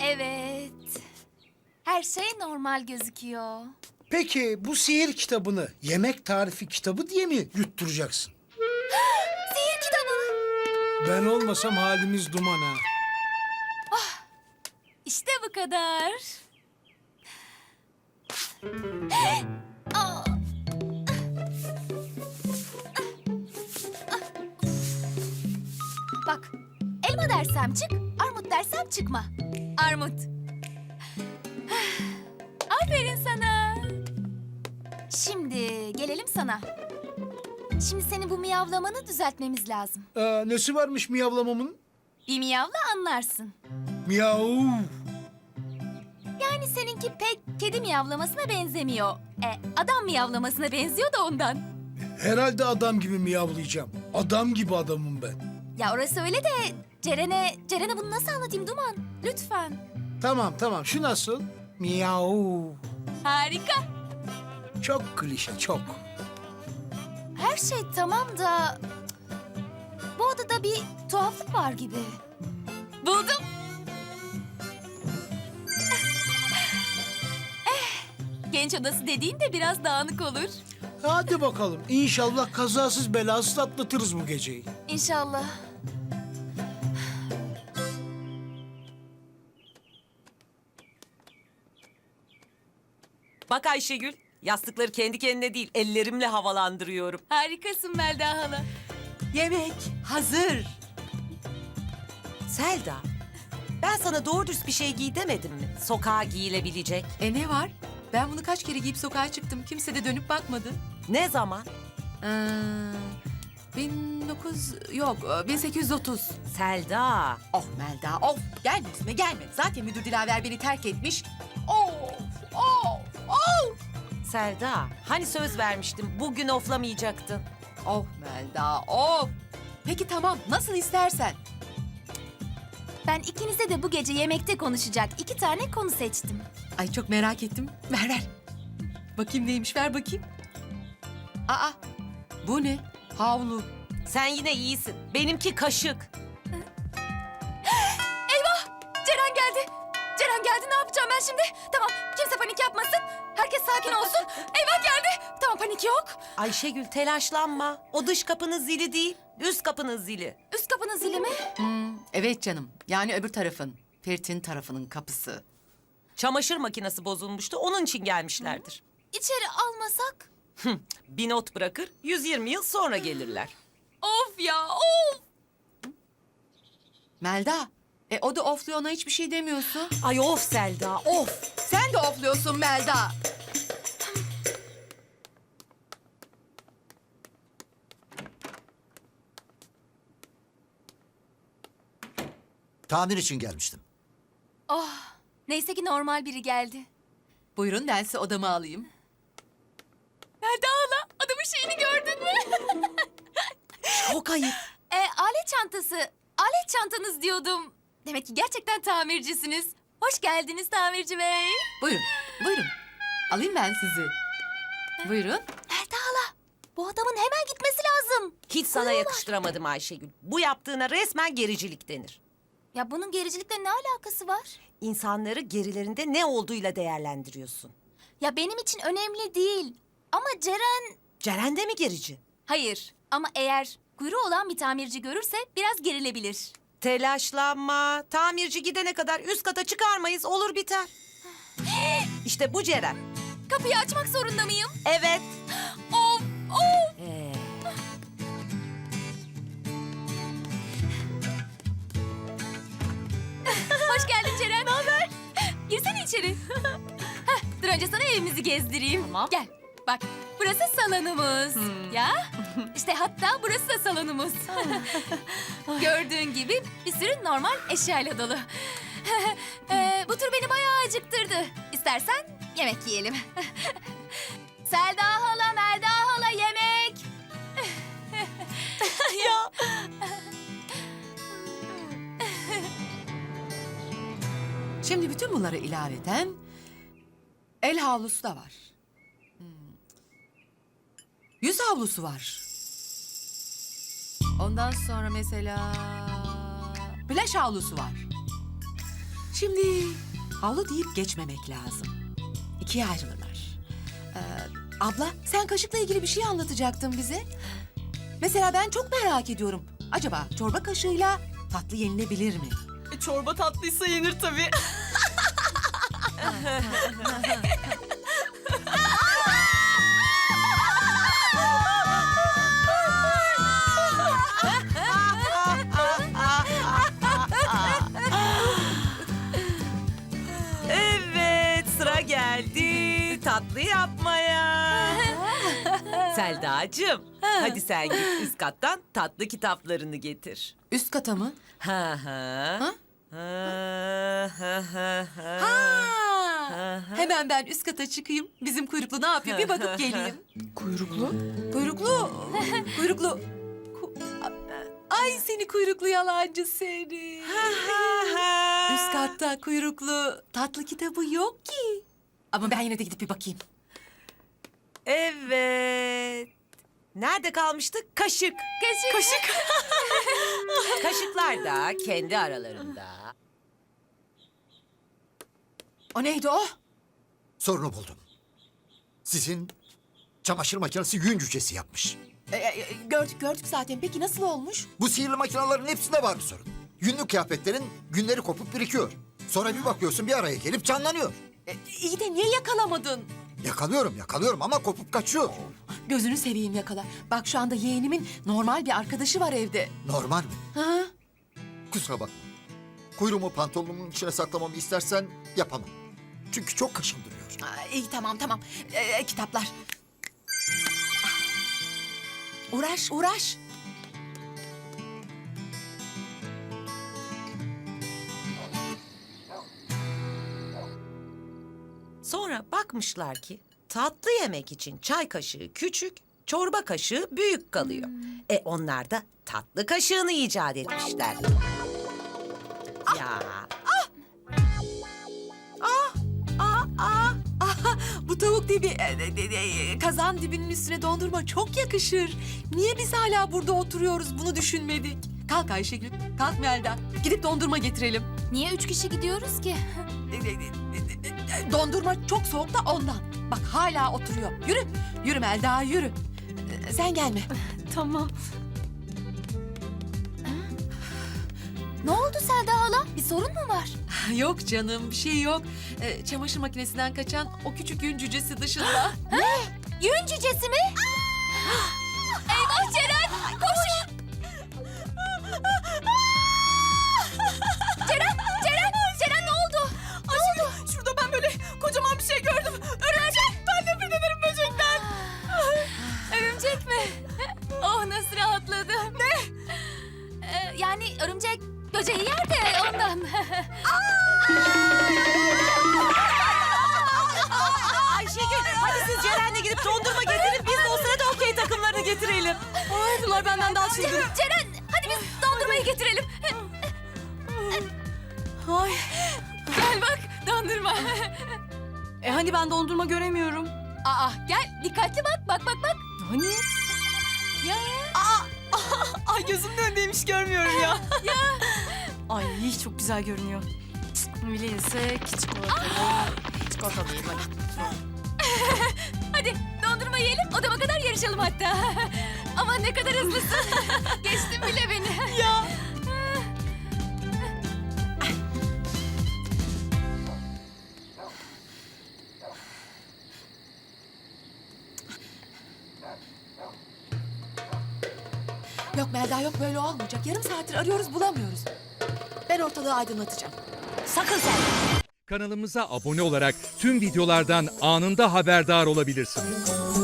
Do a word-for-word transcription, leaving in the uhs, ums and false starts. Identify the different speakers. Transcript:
Speaker 1: Evet. Her şey normal gözüküyor.
Speaker 2: Peki bu sihir kitabını yemek tarifi kitabı diye mi yutturacaksın?
Speaker 1: Sihir kitabı.
Speaker 2: Ben olmasam halimiz duman ha.
Speaker 1: İşte bu kadar. Aa! Bak, elma dersem çık, armut dersem çıkma. Armut. Aferin sana. Şimdi gelelim sana. Şimdi senin bu miyavlamanı düzeltmemiz lazım.
Speaker 2: Aa, nesi varmış miyavlamamın?
Speaker 1: Bir miyavla anlarsın.
Speaker 2: Miyav.
Speaker 1: Yani seninki pek kedi miyavlamasına benzemiyor. E, adam miyavlamasına benziyor da ondan.
Speaker 2: Herhalde adam gibi miyavlayacağım. Adam gibi adamım ben.
Speaker 1: Ya orası öyle de Ceren'e, Ceren'e bunu nasıl anlatayım Duman? Lütfen.
Speaker 2: Tamam tamam şu nasıl? Miyav.
Speaker 1: Harika.
Speaker 2: Çok klişe çok.
Speaker 1: Her şey tamam da bu odada bir tuhaflık var gibi. Buldum. Eh, genç odası dediğin de biraz dağınık olur.
Speaker 2: Hadi bakalım İnşallah kazasız belasız atlatırız bu geceyi.
Speaker 1: İnşallah.
Speaker 3: Bak Ayşegül, yastıkları kendi kendine değil, ellerimle havalandırıyorum.
Speaker 1: Harikasın Melda hala.
Speaker 3: Yemek hazır. Selda, ben sana doğru dürüst bir şey giy demedim mi? Sokağa giyilebilecek.
Speaker 4: E ne var? Ben bunu kaç kere giyip sokağa çıktım. Kimse de dönüp bakmadı.
Speaker 3: Ne zaman?
Speaker 4: Ee, bin dokuz yok bin sekiz yüz otuz.
Speaker 3: Selda.
Speaker 4: Oh Melda of gelme üstüme gelme. Zaten müdür Dilaver beni terk etmiş. Of of of.
Speaker 3: Selda, hani söz vermiştim, bugün oflamayacaktın.
Speaker 4: Of Melda of. Peki tamam nasıl istersen.
Speaker 1: Ben ikinize de bu gece yemekte konuşacak iki tane konu seçtim.
Speaker 4: Ay çok merak ettim. Ver ver. Bakayım neymiş ver bakayım. Aa bu ne? Havlu.
Speaker 3: Sen yine iyisin, benimki kaşık.
Speaker 1: Ceren geldi. Ceren geldi ne yapacağım ben şimdi? Tamam kimse panik yapmasın. Herkes sakin olsun. Eyvah geldi. Tamam panik yok.
Speaker 3: Ayşegül telaşlanma, o dış kapının zili değil, üst kapının zili.
Speaker 1: Üst kapının zili mi?
Speaker 4: Hmm, evet canım. Yani öbür tarafın. Ferit'in tarafının kapısı.
Speaker 3: Çamaşır makinesi bozulmuştu, onun için gelmişlerdir.
Speaker 1: İçeri almasak?
Speaker 3: Bir not bırakır, yüz yirmi yıl sonra gelirler.
Speaker 1: Of ya of.
Speaker 4: Melda. E o da ofluyor ona hiçbir şey demiyorsun.
Speaker 3: Ay of Selda, of!
Speaker 4: Sen de ofluyorsun Melda.
Speaker 5: Tamir için gelmiştim.
Speaker 1: Oh neyse ki normal biri geldi.
Speaker 4: Buyurun ben size odamı alayım.
Speaker 1: Melda hala adamın şeyini gördün mü?
Speaker 3: Çok ayıp.
Speaker 1: e, alet çantası. Alet çantanız diyordum. Demek ki gerçekten tamircisiniz. Hoş geldiniz tamirci bey.
Speaker 4: Buyurun, buyurun. Alayım ben sizi. Buyurun.
Speaker 1: Melda hala bu adamın hemen gitmesi lazım.
Speaker 3: Hiç sana yakıştıramadım Ayşegül. Bu yaptığına resmen gericilik denir.
Speaker 1: Ya bunun gericilikle ne alakası var?
Speaker 3: İnsanları gerilerinde ne olduğuyla değerlendiriyorsun.
Speaker 1: Ya benim için önemli değil. Ama Ceren...
Speaker 3: Ceren de mi gerici?
Speaker 1: Hayır ama eğer kuyruğu olan bir tamirci görürse biraz gerilebilir.
Speaker 3: Telaşlanma. Tamirci gidene kadar üst kata çıkarmayız, olur biter. İşte bu Ceren.
Speaker 1: Kapıyı açmak zorunda mıyım?
Speaker 3: Evet.
Speaker 1: Of of.
Speaker 3: Ee,
Speaker 1: Hoş geldin Ceren. Ne haber? Girsene içeri. Heh, dur önce sana evimizi gezdireyim.
Speaker 4: Tamam.
Speaker 1: Gel. Bak burası salonumuz. Ya işte hatta burası da salonumuz. Gördüğün gibi bir sürü normal eşyayla dolu. Ee, bu tur beni bayağı acıktırdı. İstersen yemek yiyelim. Selda hala, Melda hala yemek.
Speaker 3: ya.
Speaker 4: Şimdi bütün bunları ilaveten el havlusu da var. Hmm. Yüz havlusu var. Ondan sonra mesela plaj havlusu var. Şimdi havlu deyip geçmemek lazım. İkiye ayrılırlar. Ee, abla sen kaşıkla ilgili bir şey anlatacaktın bize. Mesela ben çok merak ediyorum. Acaba çorba kaşığıyla tatlı yenilebilir mi?
Speaker 5: E, çorba tatlıysa yenir tabii.
Speaker 3: Evet, sıra geldi tatlı yapmaya. Selda'cığım, hadi sen git üst kattan tatlı kitaplarını getir.
Speaker 4: Üst kata mı?
Speaker 3: Ha ha.
Speaker 4: Ha?
Speaker 3: Ha ha ha ha.
Speaker 4: Ha. Hemen ben üst kata çıkayım. Bizim kuyruklu ne yapıyor bir bakıp geleyim. Kuyruklu? Kuyruklu. Kuyruklu. Ku- Ay seni kuyruklu yalancı seni. Üst katta kuyruklu tatlı kitabı yok ki. Ama ben yine de gidip bir bakayım.
Speaker 3: Evet. Nerede kalmıştık? Kaşık.
Speaker 1: Kaşık. Kaşık.
Speaker 3: Kaşıklar da kendi aralarında.
Speaker 4: O neydi o?
Speaker 6: Sorunu buldum. Sizin çamaşır makinesi yün cücesi yapmış.
Speaker 4: Ee, e, gördük gördük zaten. Peki nasıl olmuş?
Speaker 6: Bu sihirli makinelerin hepsinde var bir sorun. Yünlü kıyafetlerin günleri kopup birikiyor. Sonra bir bakıyorsun bir araya gelip canlanıyor.
Speaker 4: Ee, iyi de niye yakalamadın?
Speaker 6: Yakalıyorum yakalıyorum ama kopup kaçıyor.
Speaker 4: Gözünü seveyim yakala. Bak şu anda yeğenimin normal bir arkadaşı var evde.
Speaker 6: Normal mi?
Speaker 4: Ha?
Speaker 6: Kusura bakma. Kuyruğumu pantolonumun içine saklamamı istersen yapamam. Çünkü çok kaşındırıyor.
Speaker 4: Aa, iyi tamam tamam. Ee, kitaplar. Uğraş uğraş.
Speaker 3: Sonra bakmışlar ki tatlı yemek için çay kaşığı küçük, çorba kaşığı büyük kalıyor. E onlar da tatlı kaşığını icat etmişler. Ya
Speaker 4: Aa, aa, aa, bu tavuk dibi, e, e, e, kazan dibinin üstüne dondurma çok yakışır. Niye biz hala burada oturuyoruz bunu düşünmedik? Kalk Ayşegül, kalk Melda. Gidip dondurma getirelim.
Speaker 1: Niye üç kişi gidiyoruz ki?
Speaker 4: E, e, e, e, e, Dondurma çok soğuk da ondan. Bak hala oturuyor. Yürü, yürü Melda yürü. E, Sen gelme.
Speaker 5: Tamam.
Speaker 1: Ne oldu Selda hala? Bir sorun mu var?
Speaker 4: Yok canım bir şey yok. E, çamaşır makinesinden kaçan o küçük yün cücesi dışında.
Speaker 1: Yün cücesi mi? Eyvah Ceren! Koş! Ceren! Ceren! Ceren ne oldu? Ne oldu?
Speaker 5: Şurada ben böyle kocaman bir şey gördüm. Örümcek. Ben nefret ederim böcekten.
Speaker 1: Örümcek mi? Oh nasıl rahatladım. Ne? Ee, yani örümcek böceği yer de ondan.
Speaker 3: Ayşegül hadi siz Ceren'le gidip dondurma getirin. Biz de o sırada okey takımlarını getirelim.
Speaker 5: Ay bunlar benden daha çılgın.
Speaker 1: Ceren hadi biz dondurmayı getirelim.
Speaker 5: Ay.
Speaker 1: Gel bak dondurma.
Speaker 5: E hani ben dondurma göremiyorum.
Speaker 1: Aa gel dikkatli bak bak bak bak.
Speaker 5: Hani?
Speaker 1: Ya.
Speaker 5: Ay gözümün önündeymiş görmüyorum ya. Ya. Ay çok güzel görünüyor. Öyleyse çikolata. Çikolata değil hadi.
Speaker 1: Hadi dondurma yiyelim odama kadar yarışalım hatta. Ama ne kadar hızlısın. Geçtin bile beni.
Speaker 5: Ya.
Speaker 4: Yok Melda yok böyle olmayacak. Yarım saattir arıyoruz bulamıyoruz. Ben ortalığı aydınlatacağım.
Speaker 3: Sakın sen.
Speaker 7: Kanalımıza abone olarak tüm videolardan anında haberdar olabilirsiniz.